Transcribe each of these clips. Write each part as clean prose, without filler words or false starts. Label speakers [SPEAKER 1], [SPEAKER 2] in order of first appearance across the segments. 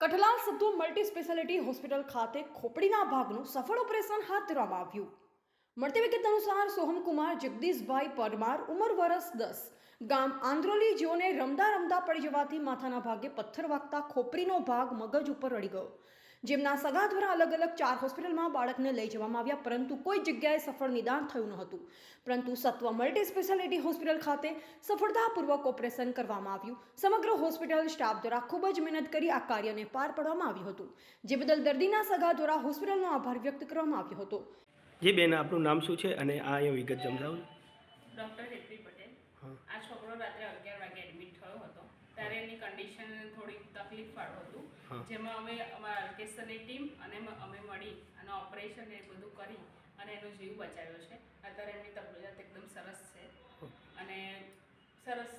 [SPEAKER 1] Kathlal Sattu multi speciality hospital ખાતે ખોપડીના ભાગનું સફળ ઓપરેશન હાથ ધરવામાં આવ્યું. મળતી વિગત અનુસાર સોહમકુમાર જગદીશભાઈ પરમાર, ઉંમર વર્ષ 10, ગામ આંદ્રોલી, જેઓને રમતા રમતા પડી જવાથી માથાના ભાગે પથ્થર વાગતા ખોપરીનો ભાગ મગજ ઉપર અડી ગયો. જેમના સગા દ્વારા અલગ અલગ 4 હોસ્પિટલમાં બાળકને લઈ જવામાં આવ્યા, પરંતુ કોઈ જગ્યાએ સફળ નિદાન થયું ન હતું. પરંતુ સત્વ મલ્ટી સ્પેશિયાલિટી હોસ્પિટલ ખાતે સફળતાપૂર્વક ઓપરેશન કરવામાં આવ્યું. સમગ્ર હોસ્પિટલ સ્ટાફ દ્વારા ખૂબ જ મહેનત કરી આ કાર્યને પાર પાડવામાં આવ્યું હતું, જે બદલ દર્દીના સગા દ્વારા હોસ્પિટલનો આભાર વ્યક્ત કરવામાં આવ્યો હતો.
[SPEAKER 2] જી બેન, આપનું નામ શું છે અને આ અહીંયા વિગત સમજાવો.
[SPEAKER 3] ડૉક્ટર હેતવી પટેલ. આ છોકરો રાત્રે 11 વાગે એડમિટ થયો હતો. ત્યારે એની કન્ડિશન થોડી તકલીફવાળું હતું, જેમાં અમે અમારા ઓર્કેસ્ટ્રાની ટીમ અને અમે મળી અને ઓપરેશન એ બધું કરી અને એનો જીવ બચાવ્યો છે. અત્યારે એમની તબિયત એકદમ સરસ છે અને સરસ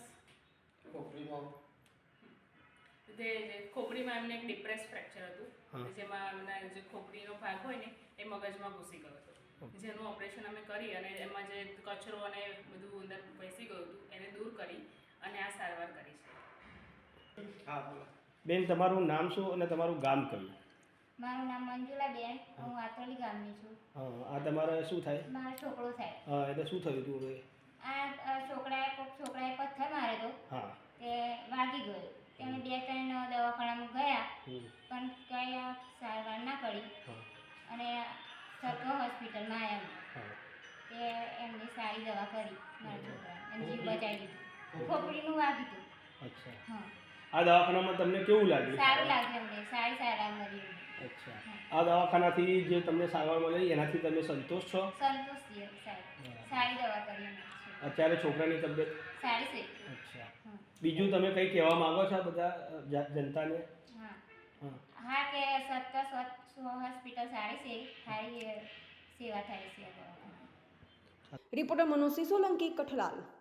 [SPEAKER 3] ખોપડીમાં એમને એક ડિપ્રેસ ફ્રેક્ચર હતું, જેમાં એમના જે ખોપડીનો ભાગ હોય ને એ મગજમાં ઘૂસી ગયો હતો, જેનું ઓપરેશન અમે કરી અને એમાં જે કચરો અને બધું અંદર બેસી ગયું હતું એને દૂર કરી અને આ સારવાર કરી છે.
[SPEAKER 2] બેન, તમારું નામ શું અને તમારું ગામ કયું?
[SPEAKER 4] મારું નામ મંજુલાબેન, હું આંત્રોલી ગામની છું.
[SPEAKER 2] આ તમારે શું થાય?
[SPEAKER 4] મારો છોકરો થાય.
[SPEAKER 2] એટલે શું થયું હતું હવે?
[SPEAKER 4] આ છોકરાએ પથ્થર માર્યો હતો, તે વાગી ગયો. તેને 2-3 દવાખાનામાં ગયા, પણ કંઈ સારવાર ના કરી અને સત્વ હોસ્પિટલમાં આવ્યા. તે એમની સારી દવા કરી મારા છોકરાને, જીવ બચાવી દીધું. ખોપડીનું વાગ્યું હતું.
[SPEAKER 2] અચ્છા.
[SPEAKER 4] હા.
[SPEAKER 2] આ દવાખાનામાં તમને કેવું લાગ્યું?
[SPEAKER 4] સારું લાગ્યું અમને, સારી સારવાર મળી.
[SPEAKER 2] અચ્છા. આ દવાખાનાથી જે તમને સારવાર મળી એનાથી તમે સંતોષ છો?
[SPEAKER 4] સંતોષ છીએ સાહેબ, સારી દવા કરી.
[SPEAKER 2] અત્યારે છોકરાની તબિયત
[SPEAKER 4] સારી છે.
[SPEAKER 2] અચ્છા. બીજું તમે કંઈ કહેવા માંગો છો બધા જનતાને?
[SPEAKER 4] હા, કે સત્વ હોસ્પિટલ સારી છે, સારી સેવા થાય છે.
[SPEAKER 1] રિપોર્ટર મનોજ સોલંકી, કઠલાલ.